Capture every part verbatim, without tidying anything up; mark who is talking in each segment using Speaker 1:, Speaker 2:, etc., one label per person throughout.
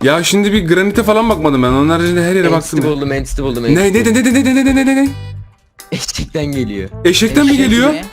Speaker 1: Ya şimdi bir granite falan bakmadım ben. Onun haricinde her yere baktım.
Speaker 2: Entity
Speaker 1: ya.
Speaker 2: buldum, entity buldum.
Speaker 1: Ne
Speaker 2: entity
Speaker 1: ne ne
Speaker 2: buldum.
Speaker 1: ne ne ne ne ne ne ne?
Speaker 2: Eşekten geliyor.
Speaker 1: Eşekten mi
Speaker 3: Eşek
Speaker 1: geliyor?
Speaker 3: mi?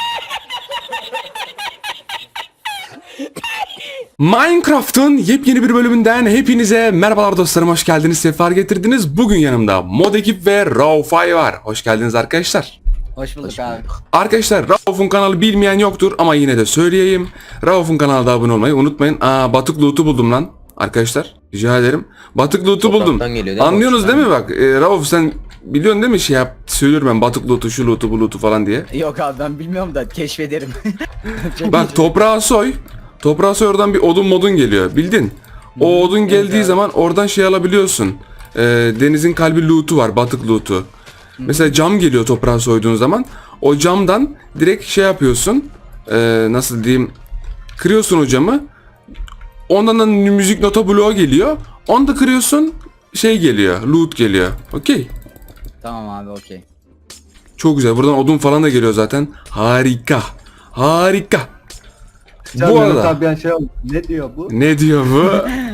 Speaker 1: Minecraft'ın yepyeni bir bölümünden hepinize merhabalar dostlarım, hoş geldiniz, sefer getirdiniz. Bugün yanımda Mod Ekip ve Raufay var. Hoş geldiniz arkadaşlar.
Speaker 3: Hoş bulduk
Speaker 2: Hoş
Speaker 3: abi.
Speaker 2: bulduk.
Speaker 1: Arkadaşlar Rauf'un kanalı bilmeyen yoktur ama yine de söyleyeyim. Rauf'un kanalına da abone olmayı unutmayın. Aa, batık loot'u buldum lan arkadaşlar. Rica ederim. Batık loot'u buldum.
Speaker 2: Topraktan geliyor değil mi?
Speaker 1: Anlıyorsunuz değil
Speaker 2: Boşluktan.
Speaker 1: mi bak? E, Rauf sen biliyorsun değil mi şey yap. Söylüyorum ben batık loot'u, şu loot'u, bu loot'u falan diye.
Speaker 3: Yok abi ben bilmiyorum da keşfederim.
Speaker 1: Bak toprağa soy. Toprağa soy, oradan bir odun modun geliyor. Bildin? O odun geldiği
Speaker 3: abi.
Speaker 1: zaman oradan şey alabiliyorsun. Ee, denizin kalbi loot'u var. Batık loot'u. Mesela cam geliyor toprağa soyduğun zaman. O camdan direkt şey yapıyorsun. Ee, nasıl diyeyim? Kırıyorsun o camı. Ondan da müzik nota bloğu geliyor. Onu da kırıyorsun. Şey geliyor. Loot geliyor. Okey.
Speaker 3: Tamam abi okey.
Speaker 1: Çok güzel. Buradan odun falan da geliyor zaten. Harika. Harika.
Speaker 4: Can
Speaker 1: Bu
Speaker 4: Mehmet
Speaker 1: arada.
Speaker 4: abi ben şey oldu. Ne diyor bu?
Speaker 1: Ne diyor bu?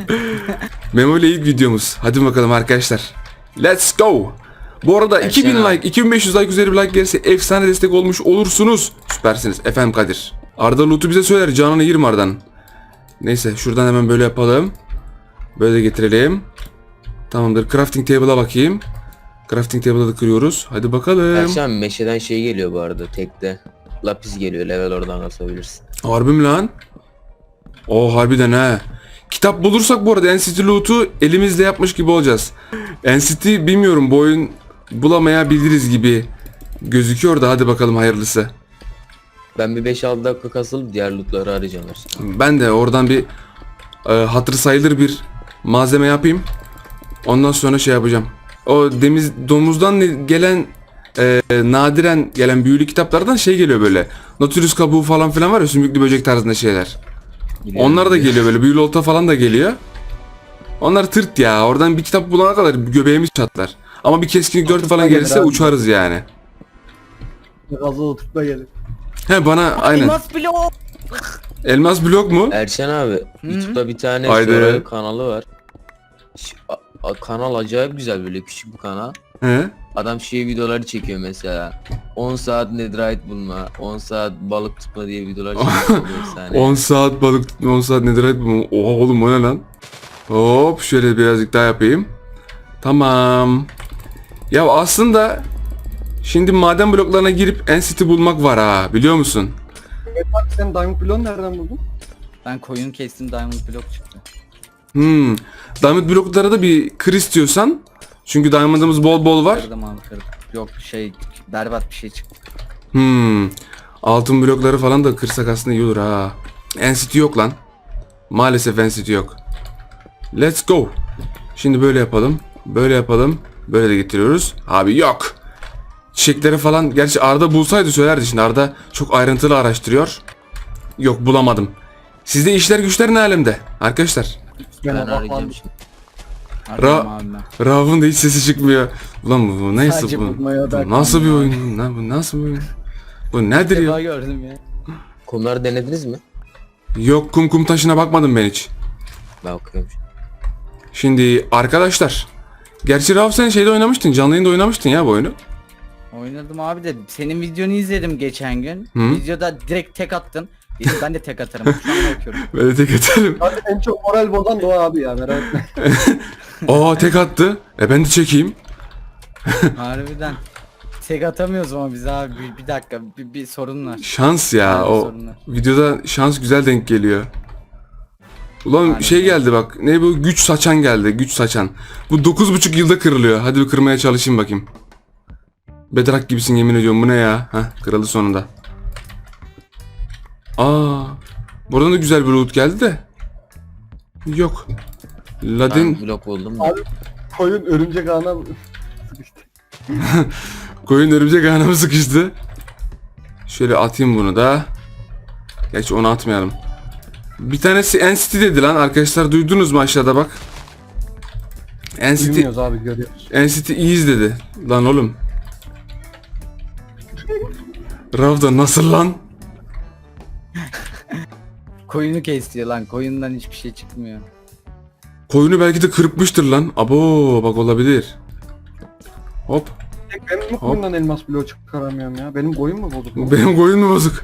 Speaker 1: Memo ile ilk videomuz. Hadi bakalım arkadaşlar. Let's go. Bu arada
Speaker 2: Erşen
Speaker 1: iki bin
Speaker 2: abi.
Speaker 1: like, iki bin beş yüz like üzeri bir like gelirse efsane destek olmuş olursunuz. Süpersiniz. Efendim Kadir. Arda loot'u bize söyler. Canını yerim Arda'nın. Neyse şuradan hemen böyle yapalım. Böyle de getirelim. Tamamdır. Crafting table'a bakayım. Crafting table'ı da kırıyoruz. Hadi bakalım.
Speaker 2: Erşen meşeden şey geliyor bu arada tekte. Lapis geliyor, level oradan kasabilirsin.
Speaker 1: Harbi mi lan? O harbiden ha. Kitap bulursak bu arada N C T loot'u elimizle yapmış gibi olacağız. N C T bilmiyorum, bu oyun bulamayabiliriz gibi gözüküyor da hadi bakalım hayırlısı.
Speaker 2: Ben bir beş altı dakika kasılıp diğer lootları arayacağım Erşen.
Speaker 1: Ben de oradan bir e, hatır sayılır bir malzeme yapayım. Ondan sonra şey yapacağım. O demiz domuzdan ne- gelen e, nadiren gelen büyülü kitaplardan şey geliyor böyle. Nautilus kabuğu falan filan var ya, sümüklü böcek tarzında şeyler. Onlar da geliyor böyle, büyülü olta falan da geliyor. Onlar tırt ya, oradan bir kitap bulana kadar göbeğimiz çatlar. Ama bir keskinlik dört falan
Speaker 4: gelir
Speaker 1: gelirse
Speaker 4: abi.
Speaker 1: uçarız yani.
Speaker 4: Gazlı oturtma gelir.
Speaker 1: He bana aynen.
Speaker 3: Elmas blok.
Speaker 1: Elmas blok mu?
Speaker 2: Erşen abi, YouTube'da bir tane
Speaker 1: Haydi.
Speaker 2: Survival kanalı var. Ş- a- a- kanal acayip güzel, böyle küçük bir kanal.
Speaker 1: He?
Speaker 2: Adam şey videoları çekiyor mesela. on saat netherite bulma, on saat balık tutma diye videolar çekiyor. efsane.
Speaker 1: on saat balık tutma, on saat netherite bulma. Oha oğlum, o ne lan? Hop şöyle birazcık daha yapayım. Tamam. Ya aslında şimdi maden bloklarına girip N C T bulmak var ha, biliyor musun?
Speaker 4: Evet abi sen Diamond Block'u nereden buldun?
Speaker 3: Ben koyun kestim diamond blok çıktı.
Speaker 1: Hmm. Diamond bloklara da bir kır istiyorsan. Çünkü diamond'ımız bol bol var.
Speaker 3: Kırdım abi kırdım. Yok şey berbat bir şey çıktı.
Speaker 1: Hmm. Altın blokları falan da kırsak aslında iyi olur ha. N C T yok lan. Maalesef N C T yok. Let's go. Şimdi böyle yapalım. Böyle yapalım. Böyle de getiriyoruz. Abi yok. Çiçekleri falan. Gerçi Arda bulsaydı söylerdi şimdi. Arda çok ayrıntılı araştırıyor. Yok, bulamadım. Sizde işler güçler ne alemde arkadaşlar?
Speaker 2: Ben
Speaker 4: Gene
Speaker 2: arayacağım
Speaker 4: bakmadım.
Speaker 2: şimdi.
Speaker 3: Arıyorum abi ben.
Speaker 1: Rauf'un da hiç sesi çıkmıyor. Ulan bu, bu neyse
Speaker 3: Sadece
Speaker 1: bu.
Speaker 3: bulmaya
Speaker 1: Bu
Speaker 3: odaklandım
Speaker 1: nasıl bir
Speaker 3: abi.
Speaker 1: oyun? lan Bu nasıl bir oyun? Bu nedir ya?
Speaker 3: Defa gördüm ya.
Speaker 2: Kumları denediniz mi?
Speaker 1: Yok, kum kum taşına bakmadım ben hiç.
Speaker 2: Ben okuyorum şimdi.
Speaker 1: Şimdi arkadaşlar. Gerçi Rauf sen şeyde oynamıştın. Canlı yayında oynamıştın ya bu oyunu.
Speaker 3: Oynadım abi de senin videonu izledim geçen gün.
Speaker 1: Hı?
Speaker 3: Videoda direkt tek attın. Dedim ben de tek atarım. Şu an bakıyorum.
Speaker 1: Böyle tek atarım.
Speaker 4: Abi en çok moral bozan da o abi ya, merak etme.
Speaker 1: Aa, tek attı. E ben de çekeyim.
Speaker 3: Harbiden. Tek atamıyoruz ama biz abi bir, bir dakika bir, bir sorun var.
Speaker 1: Şans ya.
Speaker 3: Aynen,
Speaker 1: O
Speaker 3: sorunlar.
Speaker 1: videoda şans güzel denk geliyor. Ulan
Speaker 3: Aynen.
Speaker 1: şey geldi bak. Ne bu? Güç saçan geldi. Güç saçan. Bu dokuz buçuk yılda kırılıyor. Hadi bir kırmaya çalışayım bakayım. Bedrak gibisin yemin ediyorum. Bu ne ya? Heh, kırıldı sonunda. Aa. Buradan da güzel bir loot geldi de. Yok. Ladin
Speaker 2: Ben blok buldum. da.
Speaker 4: Abi koyun örümcek ağına sıkıştı.
Speaker 1: koyun örümcek ağına sıkıştı. Şöyle atayım bunu da. Gerçi onu atmayalım. Bir tanesi N C T dedi lan arkadaşlar, duydunuz mu aşağıda bak. N C T
Speaker 4: Bilmiyoruz abi, görüyoruz.
Speaker 1: N C T iyiyiz dedi. Lan oğlum. Rav da nasıl lan?
Speaker 3: Koyunu kesti lan. Koyundan hiçbir şey çıkmıyor.
Speaker 1: Koyunu belki de kırpmıştır lan. Abo bak olabilir. Hop.
Speaker 4: Ben mi koyundan elmas bloğu çıkaramıyorum ya? Benim koyun mu bozuk?
Speaker 1: Benim koyun mu bozuk?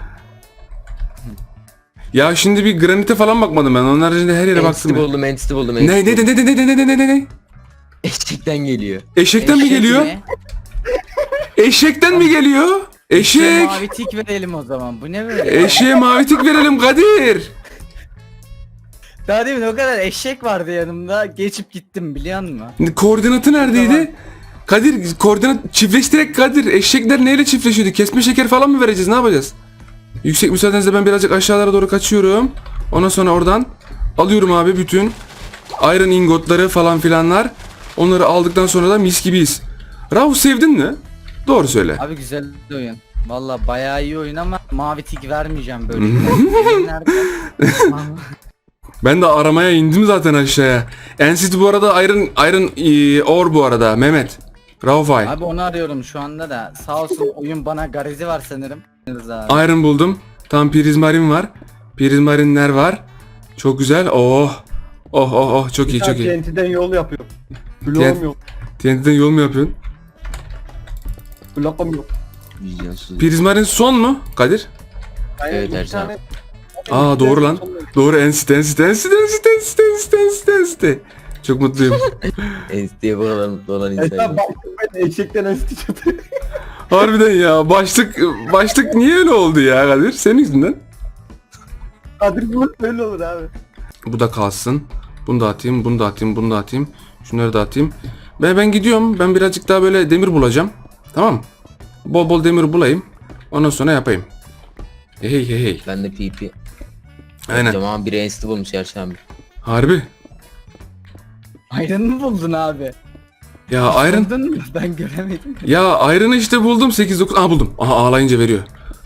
Speaker 1: Ya şimdi bir granite falan bakmadım ben. Onun haricinde her yere
Speaker 2: Entity
Speaker 1: baktım. ya.
Speaker 2: buldum, entity buldum.
Speaker 1: Ne
Speaker 2: entity
Speaker 1: ne ne
Speaker 2: buldum.
Speaker 1: ne ne ne ne ne ne ne?
Speaker 2: Eşekten geliyor.
Speaker 1: Eşekten mi
Speaker 3: Eşek
Speaker 1: geliyor?
Speaker 3: mi?
Speaker 1: Eşekten mi geliyor?
Speaker 3: Eşeğe
Speaker 1: Eşek.
Speaker 3: mavi tik verelim o zaman. Bu ne böyle?
Speaker 1: Eşeğe mavi tik verelim Kadir.
Speaker 3: Daha demin o kadar eşek vardı yanımda. Geçip gittim biliyor musun?
Speaker 1: Koordinatı neredeydi? Kadir koordinat çiftleştirek Kadir. Eşekler neyle çiftleşiyordu? Kesme şeker falan mı vereceğiz? Ne yapacağız? Yüksek müsaadenizle ben birazcık aşağılara doğru kaçıyorum. Ondan sonra oradan alıyorum abi bütün iron ingotları falan filanlar. Onları aldıktan sonra da mis gibiyiz. Rauf sevdin mi? Doğru söyle.
Speaker 3: Abi güzel oyun. Valla bayağı iyi oyun ama mavi tik vermeyeceğim böyle. Benim nerede?
Speaker 1: Ben de aramaya indim zaten aşağıya. N-City bu arada Iron Iron e, Ore bu arada Mehmet. Raufay.
Speaker 3: Abi onu arıyorum şu anda da. Sağ olsun oyun bana garezi var sanırım. Abi.
Speaker 1: Iron buldum. Tam prizmarin var. Prizmarinler var. Çok güzel. Oh. Oh oh oh çok iyi çok iyi.
Speaker 4: T N T'den yol yapıyor. Bloğum yok.
Speaker 1: T N T'den yol mu yapıyorsun?
Speaker 4: Bloğum yok.
Speaker 2: Vizyonsuz.
Speaker 1: Prizmarin son mu Kadir?
Speaker 4: Aynen,
Speaker 2: Evet,
Speaker 4: bir
Speaker 2: Ercan.
Speaker 4: tane-
Speaker 1: Aa doğru lan. Doğru N-City N-City N-City N-City N-City N-City N-City N-City. Çok mutluyum.
Speaker 2: Entity'ye bu kadar mutlu olan insan.
Speaker 4: Ercan
Speaker 2: yok.
Speaker 4: baktım ben eşekten enstitü çıktı.
Speaker 1: Harbiden ya başlık başlık niye öyle oldu ya Kadir? Senin yüzünden.
Speaker 4: Kadir bu böyle olur abi.
Speaker 1: Bu da kalsın. Bunu da atayım, bunu da atayım, bunu da atayım. Şunları da atayım. Ben ben gidiyorum. Ben birazcık daha böyle demir bulacağım. Tamam mı? Bol bol demir bulayım. Ondan sonra yapayım. Hey hey hey hey.
Speaker 2: Ben de P P.
Speaker 1: Aynen.
Speaker 2: Tamam biri entity bulmuş Erşan abi.
Speaker 1: Harbi.
Speaker 3: Iron mı buldun abi?
Speaker 1: Ya Iron.
Speaker 3: Buldun mu? Ben göremedim.
Speaker 1: Ya Iron'ı işte buldum sekiz dokuz. Aha buldum. Aha ağlayınca veriyor.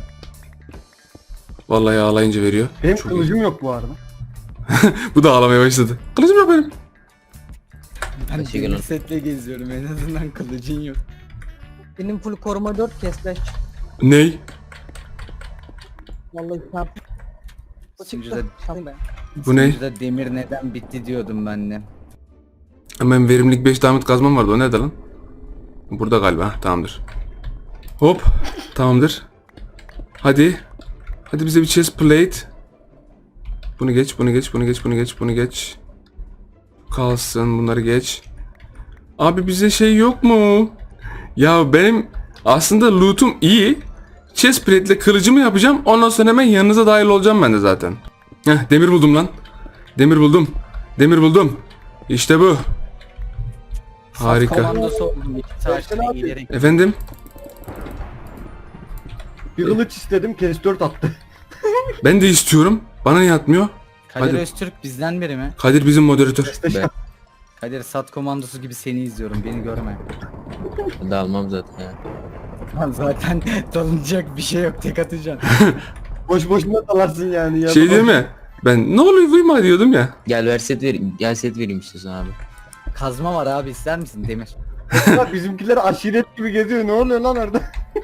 Speaker 1: Vallahi ağlayınca veriyor.
Speaker 4: Benim
Speaker 1: Çok
Speaker 4: kılıcım yok bu arada.
Speaker 1: Bu da ağlamaya başladı. Kılıcım yok benim.
Speaker 3: Ben
Speaker 2: Teşekkür
Speaker 3: demir
Speaker 2: ederim.
Speaker 3: setle geziyorum en azından kılıcın yok.
Speaker 5: Benim full koruma dört kesleş.
Speaker 1: Ney?
Speaker 5: Vallahi sen
Speaker 3: Sunucuda,
Speaker 5: Tamam be.
Speaker 1: Bu ne?
Speaker 3: sunucuda demir neden bitti diyordum ben de.
Speaker 1: Hemen verimlilik beş diamond kazmam vardı. O nerede lan? Burada galiba. Heh, tamamdır. Hop. Tamamdır. Hadi. Hadi bize bir chest plate. Bunu geç, bunu geç, bunu geç, bunu geç, bunu geç. Kalsın, bunları geç. Abi bize şey yok mu? Ya benim aslında loot'um iyi. Chest plate ile kılıcımı yapacağım. Ondan sonra hemen yanınıza dahil olacağım ben de zaten. Heh, demir buldum lan. Demir buldum. Demir buldum. İşte bu. Harika.
Speaker 3: Komandosu oldum iki taşla
Speaker 4: abi.
Speaker 3: giderek.
Speaker 1: Efendim?
Speaker 4: Bir kılıç istedim kes dört attı.
Speaker 1: Ben de istiyorum. Bana niye atmıyor?
Speaker 3: Kadir
Speaker 1: Hadi.
Speaker 3: Öztürk bizden biri mi?
Speaker 1: Kadir bizim moderatör.
Speaker 2: Ben,
Speaker 3: Kadir Sat komandosu gibi seni izliyorum beni görme.
Speaker 2: ben de almam zaten ya.
Speaker 3: Lan zaten dalınacak bir şey yok tek atacaksın.
Speaker 4: Boş boşuna dalarsın yani. Ya.
Speaker 1: Şey değil mi? Ben ne oluyor duyma diyordum ya.
Speaker 2: Gel ver set vereyim. Gel set vereyim istiyorsan abi.
Speaker 3: Kazma var abi ister misin demir?
Speaker 4: Bak bizimkiler aşiret gibi geziyor. Ne oluyor lan orada?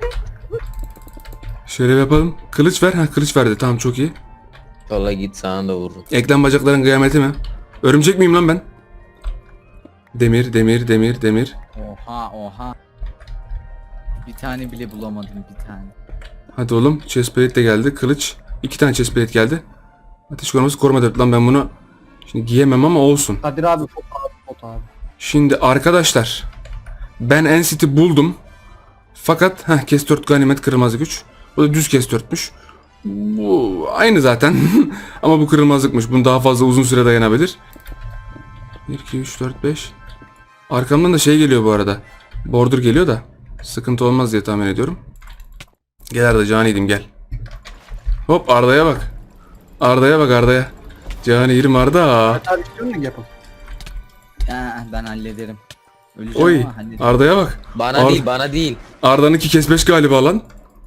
Speaker 1: Şöyle yapalım. Kılıç ver. Ha kılıç verdi. Tamam çok iyi.
Speaker 2: Vallahi git sana da vururum.
Speaker 1: Eklem bacakların kıyameti mi? Örümcek miyim lan ben? Demir, demir, demir, demir.
Speaker 3: Oha oha. Bir tane bile bulamadım bir tane.
Speaker 1: Hadi oğlum. Chestplate de geldi. Kılıç. İki tane chestplate geldi. Ateş koruması koruma dört. Lan ben bunu şimdi giyemem ama olsun.
Speaker 4: Kadir abi foto abi foto abi.
Speaker 1: Şimdi arkadaşlar. Ben N-City buldum. Fakat heh, kes dört ganimet kırılmazlık güç. Bu da düz kes dörtmüş. Bu aynı zaten. Ama bu kırılmazlıkmış. Bunu daha fazla uzun süre dayanabilir. bir, iki, üç, dört, beş. Arkamdan da şey geliyor bu arada. Border geliyor da. Sıkıntı olmaz diye tahmin ediyorum. Gel Arda caniydim gel. Hop Arda'ya bak. Arda'ya bak Arda'ya. Canirim Arda.
Speaker 4: Kadir istiyor musun yapın?
Speaker 3: Ha, ben hallederim. Öleceğim
Speaker 1: Oy
Speaker 3: ama hallederim.
Speaker 1: Arda'ya bak.
Speaker 2: Bana
Speaker 1: Ar-
Speaker 2: değil bana değil.
Speaker 1: Arda'nınki kes beş galiba lan.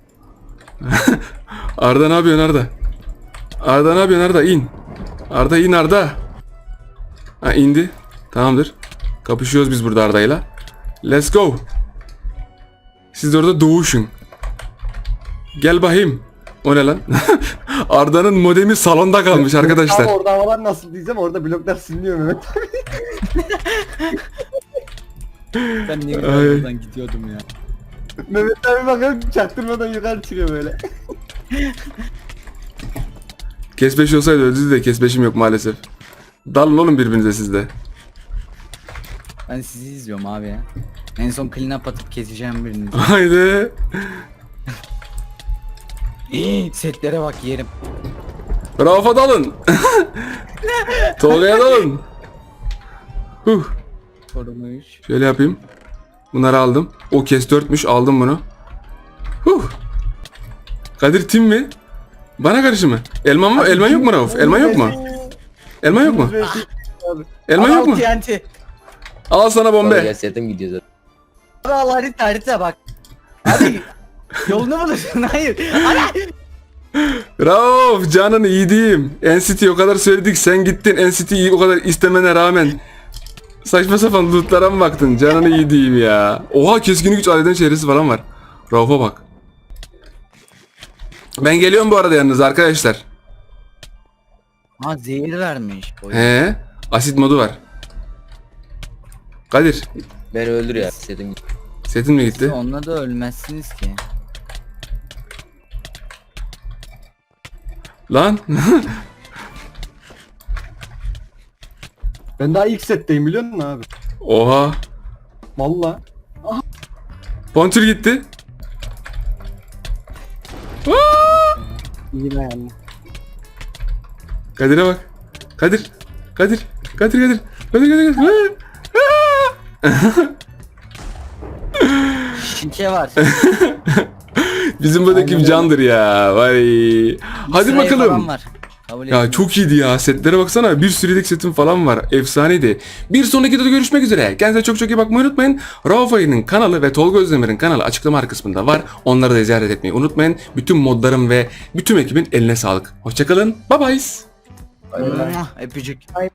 Speaker 1: Arda ne yapıyorsun Arda? Arda ne yapıyorsun Arda? İn. Arda in Arda. Ha indi. Tamamdır. Kapışıyoruz biz burada Arda'yla. Let's go. Siz de orada doğuşun. Gel bakayım. O ne lan? Arda'nın modemi salonda kalmış arkadaşlar.
Speaker 4: Ama orada havalar nasıl diyeceğim, orada bloklar siliniyor Mehmet.
Speaker 3: Ben ne
Speaker 1: Ay.
Speaker 3: güzel buradan gidiyordum ya.
Speaker 4: Mehmet abi bakıyorum çaktırmadan yukarı çıkıyor böyle.
Speaker 1: Kesbeş olsaydı öldü de kesbeşim yok maalesef. Dalın oğlum birbirinize sizde.
Speaker 3: Ben sizi izliyorum abi ya. En son clean up atıp keseceğim birini.
Speaker 1: Haydi.
Speaker 3: Setlere bak yerim.
Speaker 1: Rauf'a dalın. Tolga'ya dalın. Huh.
Speaker 3: Koruma üç.
Speaker 1: Şöyle yapayım. Bunları aldım. O kes dörtmüş, aldım bunu. Huh. Kadir tim mi? Bana karşı mı? Elman mı? Elman yok mu Rauf? Elman yok mu? Elman yok mu? Elman yok mu?
Speaker 3: T N T.
Speaker 1: Al sana
Speaker 2: Bombe.
Speaker 1: bombe.
Speaker 2: Setim gidiyor zaten.
Speaker 3: Abi al harita harita bak. Hadi. Yolunu bulursun hayır. Hadi.
Speaker 1: Rauf canını yediğim. N C T o kadar söyledik, sen gittin N C T'yi o kadar istemene rağmen saçma sapan lootlara mı baktın? Canını yediğim ya. Oha, keskin güç aleden çehresi falan var. Rauf'a bak. Ben geliyorum bu arada yalnız arkadaşlar.
Speaker 3: Ha zehir vermiş. Oy.
Speaker 1: He, asit modu var. Kadir,
Speaker 2: Beni öldür ya. Setim gidiyor.
Speaker 1: setin mi gitti?
Speaker 3: Onunla da ölmezsiniz ki.
Speaker 1: Lan.
Speaker 4: Ben daha ilk setteyim biliyor musun abi?
Speaker 1: Oha.
Speaker 4: Valla.
Speaker 1: Pontür gitti.
Speaker 4: İyi yani.
Speaker 1: Kadir'e bak. Kadir. Kadir. Kadir Kadir. Kadir Kadir. Kadir.
Speaker 3: Şike var.
Speaker 1: Bizim buradaki
Speaker 4: Aynen
Speaker 1: candır ya. Vay. Hadi
Speaker 3: Sırayı falan
Speaker 1: bakalım.
Speaker 3: var. Kabul
Speaker 1: Ya
Speaker 3: etmiyorum.
Speaker 1: çok iyiydi ya. Setlere baksana. Bir sürü yedek setim falan var. Efsaneydi. Bir sonraki videoda görüşmek üzere. Kendinize çok çok iyi bakmayı unutmayın. Rauf Ayı'nın kanalı ve Tolga Özdemir'in kanalı açıklama kısmında var. Onları da ziyaret etmeyi unutmayın. Bütün modlarım ve bütün ekibin eline sağlık. Hoşçakalın. Bye bye.
Speaker 3: Mwah, Öpücük.